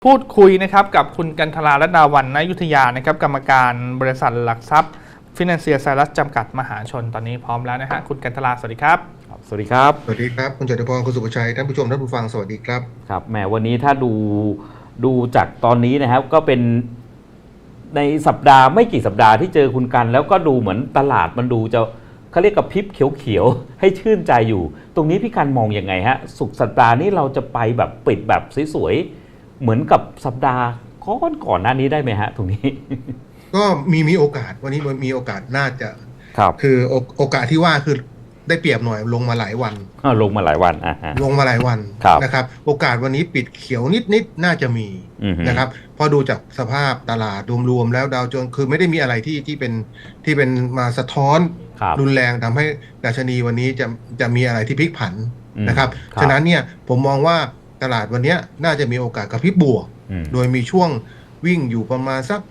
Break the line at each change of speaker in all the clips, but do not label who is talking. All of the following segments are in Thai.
พูดคุยนะครับกับคุณกันทรารัตนาวรรณอยุธยานะครับกรรมการบริษัทหลักทรัพย์ฟินแลนเซียไซรัสจำกัดมหาชนตอนนี้พร้อมแล้วนะฮะคุณกันทราสวัสดีครับ
สวัสดีครับ
สวัสดีครับคุณจตุพรคุณสุภชัยท่านผู้ชมท่านผู้ฟังสวัสดีครับ
ครับแหมวันนี้ถ้าดูจากตอนนี้นะครับก็เป็นในสัปดาห์ไม่กี่สัปดาห์ที่เจอคุณกันแล้วก็ดูเหมือนตลาดมันดูจะเขาเรียกกับพริบเขียวๆให้ชื่นใจอยู่ตรงนี้พี่กันมองยังไงฮะสุกสัปดาห์นี้เราจะไปแบบปิดแบบสวยๆเหมือนกับสัปดาห์ก่อนหน้านี้ได้ไหมฮะตรงนี้
ก็มีโอกาสวันนี้มันมีโอกาสน่าจะ
ครับ
คือโอกาสที่ว่าคือได้เปรียบหน่อยลงมาหลายวัน
ลงมาหลายวัน
ลงมาหลายวัน
ครับ
นะครับโอกาสวันนี้ปิดเขียวนิดน่าจะมีนะครับพอดูจากสภาพตลาดรวมๆแล้วดาวโจนส์คือไม่ได้มีอะไรที่เป็นมาสะท้อนรุนแรงทำให้ดัชนีวันนี้จะมีอะไรที่พลิกผันนะครับฉะนั้นเนี่ยผมมองว่าตลาดวันนี้น่าจะมีโอกาสกระพริบบวกโดยมีช่วงวิ่งอยู่ประมาณสัก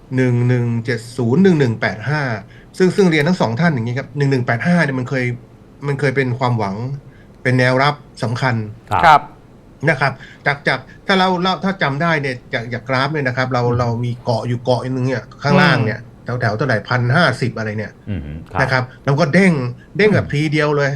1170-1185ซึ่งเรียนทั้งสองท่านอย่างนี้ครับ1185เนี่ยมันเคยเป็นความหวังเป็นแนวรับสำคัญ
ครับ
นะครับจากถ้าเราถ้าจำได้เนี่ยจากกราฟเนี่ยนะครับเรามีเกาะอยู่เกาะนึงเนี่ยข้างล่างเนี่ยแถวเท่าไหร่1,050อะไรเนี่ยนะครับแล้วก็เด้งแบบทีเดียวเลย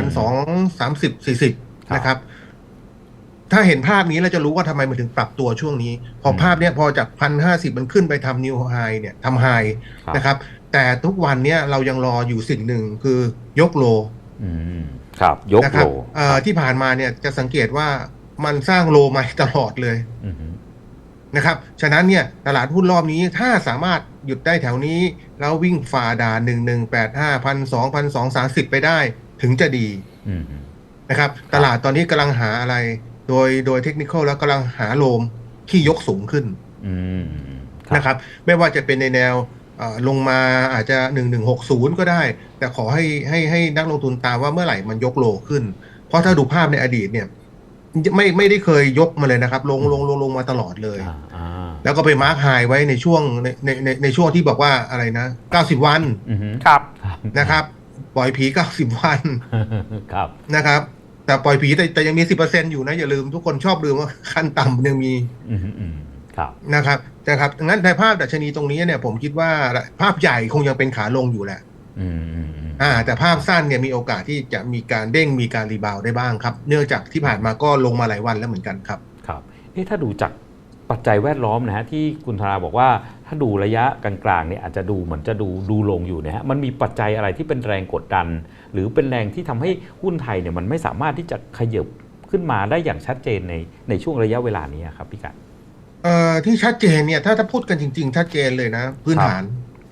1,230-40นะครับถ้าเห็นภาพนี้เราจะรู้ว่าทำไมมันถึงปรับตัวช่วงนี้พอภาพเนี้ยพอจาก1,050มันขึ้นไปทำนิวไฮเนี่ยทำไฮนะครับแต่ทุกวันเนี้ยเรายังรออยู่สิ่งหนึ่งคือยกโล
ครับยกโล
ที่ผ่านมาเนี่ยจะสังเกตว่ามันสร้างโลใหม่ตลอดเลยนะครับฉะนั้นเนี่ยตลาดหุ้นรอบนี้ถ้าสามารถหยุดได้แถวนี้แล้ววิ่งฝ่าด่าน1185 1,230ไปได้ถึงจะดีนะครับตลาดตอนนี้กำลังหาอะไรโดยเทคนิคอลแล้วกำลังหาโลมที่ยกสูงขึ้นนะครับไม่ว่าจะเป็นในแนวลงมาอาจจะ1160ก็ได้แต่ขอให้นักลงทุนตามว่าเมื่อไหร่มันยกโลขึ้นเพราะถ้าดูภาพในอดีตเนี่ยไม่ได้เคยยกมาเลยนะครับลงมาตลอดเลยแล้วก็ไปมาร์คไฮไว้ในช่วงในช่วงที่บอกว่าอะไรนะ90วัน
ครับ
นะครับปล่อยผี90วัน
ครับ
นะครับแต่ปล่อยผีแต่ยังมี 10% อยู่นะอย่าลืมทุกคนชอบลืมว่าขั้นต่ำยังมีนะครับงั้นในภาพดัชนีตรงนี้เนี่ยผมคิดว่าภาพใหญ่คงยังเป็นขาลงอยู่แหละแต่ภาพสั้นเนี่ยมีโอกาสที่จะมีการเด้งมีการรีบาวได้บ้างครับเนื่องจากที่ผ่านมาก็ลงมาหลายวันแล้วเหมือนกันครับ
ครับถ้าดูจากปัจจัยแวดล้อมนะฮะที่คุณธราบอกว่าถ้าดูระยะกลางๆเนี่ยอาจจะดูเหมือนจะดูลงอยู่นะฮะมันมีปัจจัยอะไรที่เป็นแรงกดดันหรือเป็นแรงที่ทำให้หุ้นไทยเนี่ยมันไม่สามารถที่จะขยับขึ้นมาได้อย่างชัดเจนในช่วงระยะเวลานี้ครับพี่กัน
ที่ชัดเจนเนี่ยถ้าพูดกันจริงๆชัดเจนเลยนะพื้นฐาน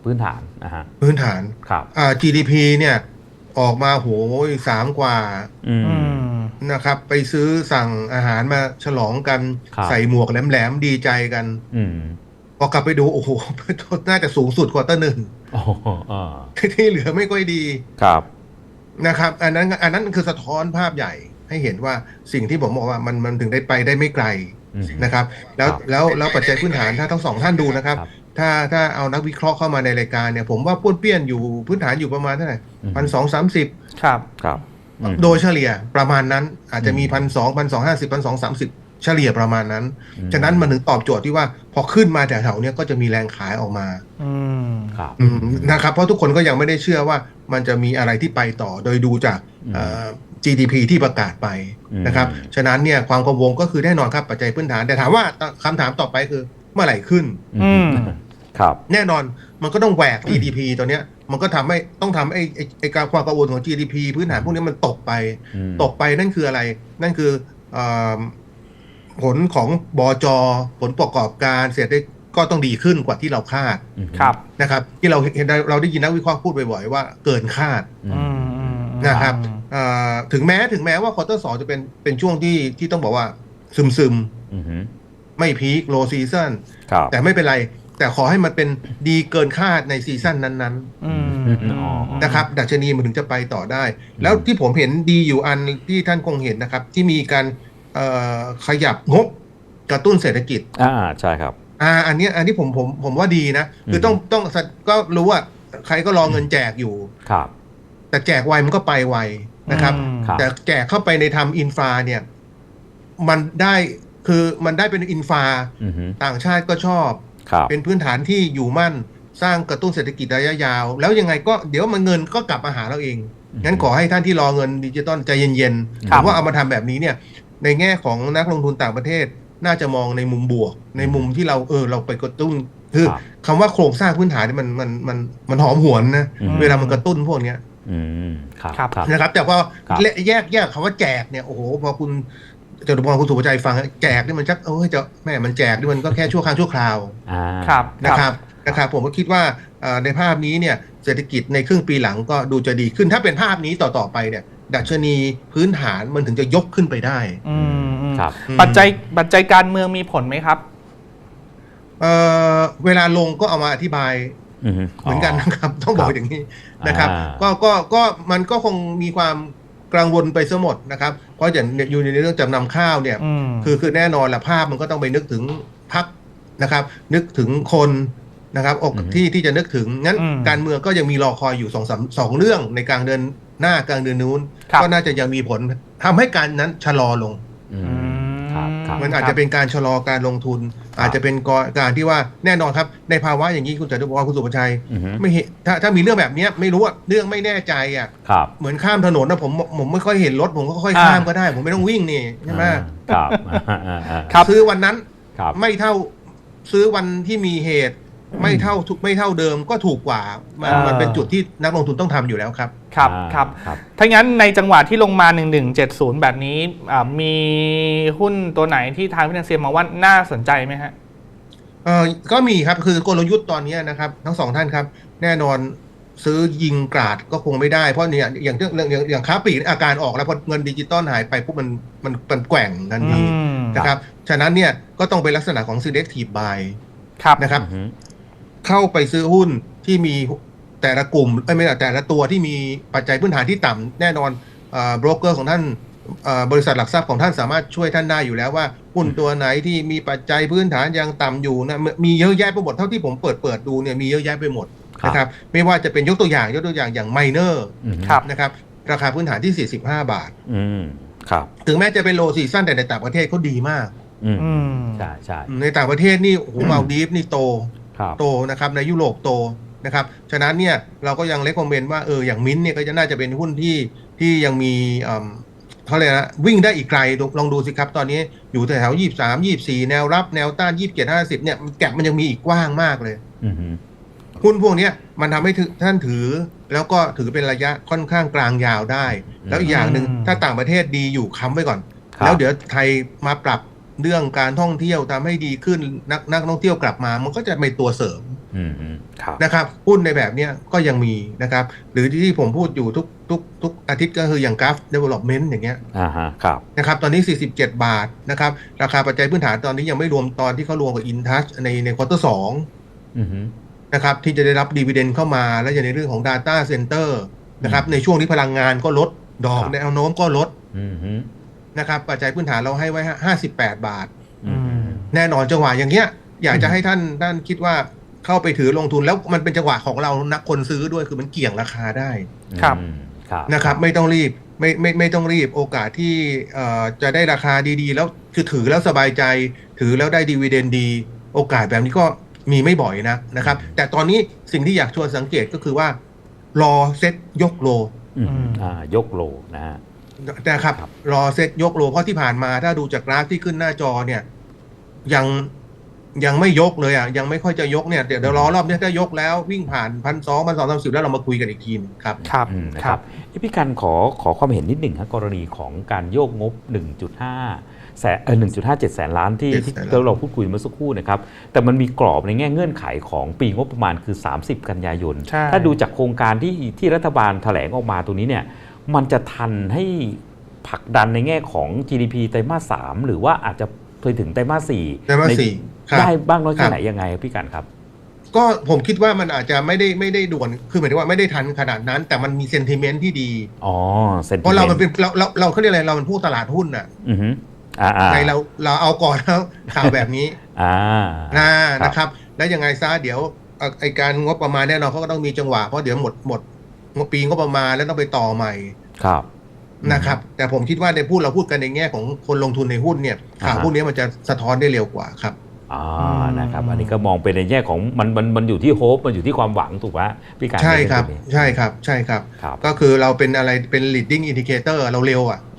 ครับ
GDP เนี่ยออกมาโห3 กว่านะครับไปซื้อสั่งอาหารมาฉลองกันใส่หมวกแหลมๆดีใจกันพอกลับไปดูโอ้โหน่าจะสูงสุดควอเตอร์หนึ่งที่เหลือไม่ค่อยดี
ครับ
นะครับอันนั้นคือสะท้อนภาพใหญ่ให้เห็นว่าสิ่งที่ผมบอกว่ามันถึงได้ไปได้ไม่ไกลนะครับแล้วปัจจัยพื้นฐานถ้าทั้งสองท่านดูนะครับถ้าเอานักวิเคราะห์เข้ามาในรายการเนี่ยผมว่าป้วนเปี้ยนอยู่พื้นฐานอยู่ประมาณเท่าไหร่1,230
ครับ
โดยเฉลี่ยประมาณนั้นอาจจะมี1,250 1,230เฉลี่ยประมาณนั้นฉะนั้นมันถึงตอบโจทย์ที่ว่าพอขึ้นมาแถวๆนี้ก็จะมีแรงขายออกมานะครับเพราะทุกคนก็ยังไม่ได้เชื่อว่ามันจะมีอะไรที่ไปต่อโดยดูจากGDP ที่ประกาศไปนะครับฉะนั้นเนี่ยความกังวลก็คือแน่นอนครับปัจจัยพื้นฐานแต่ถามว่าคำถามต่อไปคือเมื่อไหร่ขึ้น
ครับ
แน่นอนมันก็ต้องแหวก GDP ตัวเนี้ยมันก็ต้องทำไอ้การความกังวลของ GDP พื้นฐานพวกนี้มันตกไปนั่นคืออะไรนั่นคือผลของบจ.ผลประกอบการเศรษฐกิจก็ต้องดีขึ้นกว่าที่เราคาดนะครับที่เราเห็นเราได้ยินนักวิเคราะห์พูดบ่อยๆว่าเกินคาดนะครับถึงแม้ว่าควอเตอร์2จะเป็นช่วงที่ต้องบอกว่าซึมไม่พีคโลซีซั่นแต่ไม่เป็นไรแต่ขอให้มันเป็นดีเกินคาดในซีซั่นนั้นๆนะครับดัชนีมันถึงจะไปต่อได้แล้วที่ผมเห็นดีอยู่อันที่ท่านคงเห็นนะครับที่มีการขยับงบกระตุ้นเศรษฐกิจ
ใช่ครับ
อันนี้ผมว่าดีนะคือต้องก็รู้ว่าใครก็รอเงินแจกอยู่
ครับ
แต่แจกไวมันก็ไปไวนะครับแต่แจกเข้าไปในทำอินฟราเนี่ยมันได้คือมันได้เป็นอินฟา
อือฮึ
ต่างชาติก็ชอบ
ครับ
เป็นพื้นฐานที่อยู่มั่นสร้างกระตุ้นเศรษฐกิจระยะยาว แล้วยังไงก็เดี๋ยวมันเงินก็กลับมาหาเราเอง งั้นขอให้ท่านที่รอเงินดิจิตอลใจเย็นๆ
ครั
ผ
บ
มว่าเอามาทำแบบนี้เนี่ยในแง่ของนักลงทุนต่างประเทศน่าจะมองในมุมบวก ในมุมที่เราไปกระตุ้นคือ
ครับ
คำว่าโครงสร้างพื้นฐานนี่มันหอมหวนนะ
อืม
เวลามันกระตุ้นพวกเนี้ย
อืมครับ
ครับ
ครับ
นะครับแต่พอ
ครับ
แยกคำว่าแจกเนี่ยโอ้โหพอคุณจตุพรคุณสุภชัยฟังแจกนี่มันชักจะแม่มันแจกนี่มันก็แค่ชั่วครั้งชั่วคราว
อ่า
ครับ
นะครับผมก็คิดว่าในภาพนี้เนี่ยเศรษฐกิจในครึ่งปีหลังก็ดูจะดีขึ้นถ้าเป็นภาพนี้ต่อไปเนี่ยดัชนีพื้นฐานมันถึงจะยกขึ้นไปได้
อืม
ครับ
ปัจจัยการเมืองมีผลไหมครับ
เวลาลงก็เอามาอธิบาย
อือฮึ
เหมือนกันนะครับ ต้องบอกอย่างนี้นะครับ
อ่า
ก็มันก็คงมีความกังวลไปซะหมดนะครับ เพราะอย่างอยู่ในเรื่องจำนำข้าวเนี่ย
อืม
คือแน่นอนละภาพมันก็ต้องไปนึกถึงพรรคนะครับ นึกถึงคนนะครับที่จะนึกถึงงั้น
อืม
การเมืองก็ยังมีรอคอยอยู่สองเรื่องในกลางเดือนหน้ากลางเดือนนู้น
ครับ
ก็น่าจะยังมีผลทำให้การนั้นชะลอลง
อื
อื
ม
ม
ครับครับ
มันอาจจะเป็นการชะลอการลงทุน อาจจะเป็นการที่ว่าแน่นอนครับในภาวะอย่างนี้คุณจตุพรคุณสุภชัย
อือฮึ
ไม่เห็นถ้ามีเรื่องแบบเนี้ยไม่รู้ว่าเรื่องไม่แน่ใจอ่ะ
ครับ
เหมือนข้ามถนนนะผมไม่ค่อยเห็นรถผมก็ค่อยข้ามก็ได้ ผมไม่ต้องวิ่งนี่ใช่ไหม
ครับ
ครับ
ซื้อวันนั้น
ครับ
ไม่เท่าซื้อวันที่มีเหตุ ไม่เท่าเดิมก็ถูกกว่ามันเป็นจุดที่นักลงทุนต้องทำอยู่แล้วครับ
ครับ
อ่า
ครับ
ครับ
ถ้างั้นในจังหวะที่ลงมา1170แบบนี้มีหุ้นตัวไหนที่ทางฟินแลนเซียมองว่าน่าสนใจไหมฮะ
ก็มีครับคือกลยุทธ์ตอนนี้นะครับทั้งสองท่านครับ แน่นอนซื้อยิงกราดก็คงไม่ได้เพราะเนี่ยอย่างค้าปลีกอาการออกแล้วพอเงินดิจิตอลหายไปปุ๊บมันแกว่งทันที
อืม
นะครับฉะนั้นเนี่ยก็ต้องเป็นลักษณะของ selective buy
ครับ
นะครับ
อือฮึ
เข้าไปซื้อหุ้นที่มีแต่ละกลุ่มไม่ใช่แต่ละตัวที่มีปัจจัยพื้นฐานที่ต่ำแน่นอนโบรกเกอร์ของท่านบริษัทหลักทรัพย์ของท่านสามารถช่วยท่านได้อยู่แล้วว่าหุ้นตัวไหนที่มีปัจจัยพื้นฐานยังต่ำอยู่นะมีเยอะแยะไปหมดเท่าที่ผมเปิดดูเนี่ยมีเยอะแยะไปหมดนะครับไม่ว่าจะเป็นยกตัวอย่างอย่างไมเนอร์
อือฮึ
ครับ
นะครับราคาพื้นฐานที่45 บาท
อืมครับ
ถึงแม้จะเป็นโลซีซั่นแต่ในต่างประเทศเขาดีมาก
อืม
อืม
ใช่ใช่
ในต่างประเทศนี่โอ้โหมาลดีฟนี่โต
ครับ
โตนะครับในยุโรปโตนะครับฉะนั้นเนี่ยเราก็ยังเลคคอมเมนต์ว่าอย่างมิ้นท์เนี่ยก็จะน่าจะเป็นหุ้นที่ยังมีเขาเลยกนะวิ่งได้อีกไกลลองดูสิครับตอนนี้อยู่แถว23 24แนวรับแนวต้าน27 50เนี่ยแก็บมันยังมีอีกกว้างมากเลย
อือฮึ
หุ้นพวกเนี้ยมันทำให้ท่านถือแล้วก็ถือเป็นระยะค่อนข้างกลางยาวได้ แล้วอีกอย่างหนึ่งถ้าต่างประเทศดีอยู่ค้ำไว้ก่อน แล้วเดี๋ยวไทยมาปรับเรื่องการท่องเที่ยวทำให้ดีขึ้นนักท่องเที่ยวกลับมามันก็จะเป็นตัวเสริม
อืมอืมครับ
นะครับหุ้นในแบบเนี้ยก็ยังมีนะครับหรือที่ผมพูดอยู่ทุกอาทิตย์ก็คืออย่างกราฟ development อย่างเงี้ย
อ่าฮะครับ
นะครับตอนนี้47 บาทนะครับราคาปัจจัยพื้นฐานตอนนี้ยังไม่รวมตอนที่เขารวมกับ InTouch ในควอเตอร์2
อือฮึ
นะครับที่จะได้รับดีเวเดนเข้ามาแล้วอย่างในเรื่องของ Data Center นะครับในช่วงที่พลังงานก็ลดดอกแนวโน้มก็ลด
อือฮึ
นะครับปัจจัยพื้นฐานเราให้ไว้58 บาท
อืม
แน่นอนจังหวะอย่างเงี้ยอยากจะให้ท่านคิดว่าเข้าไปถือลงทุนแล้วมันเป็นจังหวะของเรานักคนซื้อด้วยคือมันเกี่ยงราคาได้
ครับ
อืมครับ
นะครับไม่ต้องรีบไม่ต้องรีบโอกาสที่จะได้ราคาดีๆ แล้วคือถือแล้วสบายใจถือแล้วได้ดีเวเดนดีโอกาสแบบนี้ก็มีไม่บ่อยนะครับแต่ตอนนี้สิ่งที่อยากชวนสังเกตก็คือว่ารอเซ็ตยกโล
อืมยกโลนะฮะ
นะครับรอเซ็ตยกโลเพราะที่ผ่านมาถ้าดูจากกราฟที่ขึ้นหน้าจอเนี่ยยังไม่ยกเลยยังไม่ค่อยจะยกเนี่ยเดี๋ยวรอรอบนี้ถ้ายกแล้ววิ่งผ่าน1,200 1,230แล้วเรามาคุยกันอีกทีนึงครับ
ครับ
นะ
ค
ค
รั
รับ บพี่กันขอความเห็นนิดหนึ่งครับกรณีของการโยกงบ 1.57 แสนล้านที่
7 แสนล้าน
เราพูดคุยเมื่อสักครู่นะครับแต่มันมีกรอบในแง่เงื่อนไขของปีงบประมาณคือ 30 กันยายน
ใช่
ถ้าดูจากโครงการที่รัฐบาลแถลงออกมาตัวนี้เนี่ยมันจะทันให้ผลักดันในแง่ของ GDP ไตรมาส 3 หรือว่าอาจจะไปถึงไตรมาส 4
ไตรมาส 4ครับ
ได้บ้างน้อยแค่
ครับ
ไหนยังไงครับพี่กันครับ
ก็ผมคิดว่ามันอาจจะไม่ได้ด่วนคือหมายถึงว่าไม่ได้ทันขนาดนั้น แต่มันมีเซนติเมนต์ที่ดี
อ๋อเซนติ
เพราะเรามัน
เม
เป็นเราเขาเรียกอะไรเราเป็นผู้ตลาดหุ้นน่ะ
อือฮึ
ในเราเอาก่อนแล้วข่าวแบบนี้ นะครับแล้วยังไงซะเดี๋ยวไอการงบประมาณแน่นอนเขาก็ต้องมีจังหวะเพราะเดี๋ยวหมดงบปีงบประมาณแล้วต้องไปต่อใหม่
ครับ
นะครับแต่ผมคิดว่าในเราพูดกันในแง่ของคนลงทุนในหุ้นเนี่ยข่าวพวกนี้มันจะสะท้อนได้เร็วกว่าครับ
นะครับอันนี้ก็มองเป็นในแง่ของมันอยู่ที่โฮปมันอยู่ที่ความหวังถูกไหมพี่การ
ใช่ครับใช่ครับใช่ครับ ก็คือเราเป็นอะไรเป็น leading indicator เราเร็ว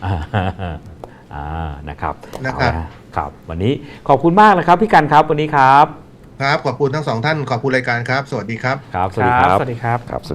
นะครับ
ครับ
วันนี้ขอบคุณมากนะครับพี่กันครับวันนี้ครับ
ครับขอบคุณทั้งสองท่านขอบคุณรายการครับสวัสดีครับ
ครับสวัสดีครับ
สวัสดีครับ